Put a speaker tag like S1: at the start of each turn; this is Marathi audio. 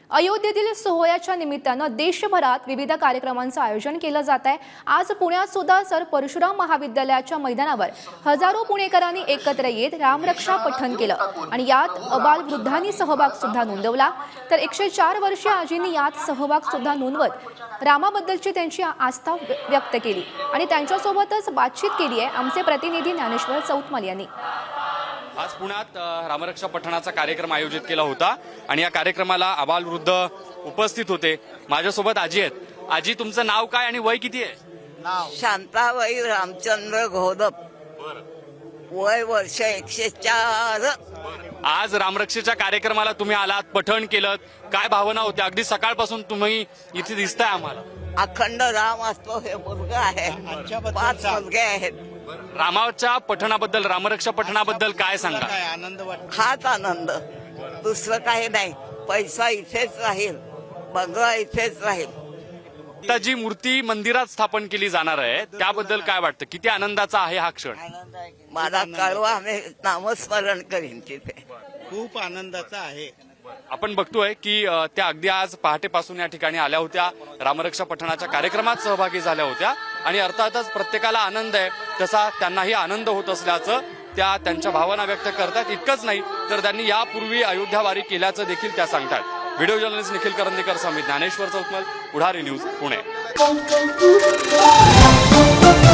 S1: अयोध्येतील सोहळ्याच्या निमित्तानं देशभरात विविध कार्यक्रमांचं आयोजन केलं जात आहे। आज पुण्यात सुद्धा सर परशुराम महाविद्यालयाच्या मैदानावर हजारो पुणेकरांनी एकत्र येत रामरक्षा पठण केलं आणि यात अबालवृद्धांनी सहभाग सुद्धा नोंदवला। तर 104 वर्षीय आजींनी यात सहभाग सुद्धा नोंदवत रामाबद्दलची त्यांची आस्था व्यक्त केली आणि त्यांच्यासोबतच बातचीत केली आहे आमचे प्रतिनिधी ज्ञानेश्वर चौतमल यांनी।
S2: आज पुण्यात रामरक्षा पठणाचा कार्यक्रम आयोजित केला होता आणि या कार्यक्रमाला आबालवृद्ध उपस्थित होते। माझ्यासोबत आजी आहेत। आजी, तुमचं नाव काय आणि वय किती आहे?
S3: नाव शांताबाई रामचंद्र घोदप, वय वर्ष 104।
S2: आज रामरक्षेच्या कार्यक्रमाला तुम्ही आलात, पठण केलं, काय भावना होत्या? अगदी सकाळपासून तुम्ही इथे दिसताय आम्हाला।
S3: अखंड राम असतो हे मुलगा आहे, 5 मुलगे आहेत।
S2: रामाच्या पठणाबद्दल, रामरक्षा पठणाबद्दल काय सांगा?
S4: आनंद वाटतो,
S3: हाच आनंद, दुसरं काही नाही। पैसा इथेच राहील, बंगला इथेच राहील।
S2: आता जी मूर्ती मंदिरात स्थापन केली जाणार आहे त्याबद्दल काय वाटतं? किती आनंदाचा आहे हा क्षण?
S3: मला कळवा, मी नामस्मरण करीन तिथे।
S4: खूप आनंदाचा आहे।
S2: आपण बघतोय की त्या अगदी आज पहाटेपासून या ठिकाणी आल्या होत्या, रामरक्षा पठणाच्या कार्यक्रमात सहभागी झाल्या होत्या आणि अर्थातच प्रत्येकाला आनंद आहे तसा त्यांनाही आनंद होत असल्याचं त्या त्यांच्या भावना व्यक्त करतात। इतकंच नाही तर त्यांनी यापूर्वी अयोध्या वारी केल्याचं देखील त्या सांगतात। व्हिडिओ जर्नलिस्ट निखिल करंदीकर समित, ज्ञानेश्वर चौतमल, पुढारी न्यूज, पुणे।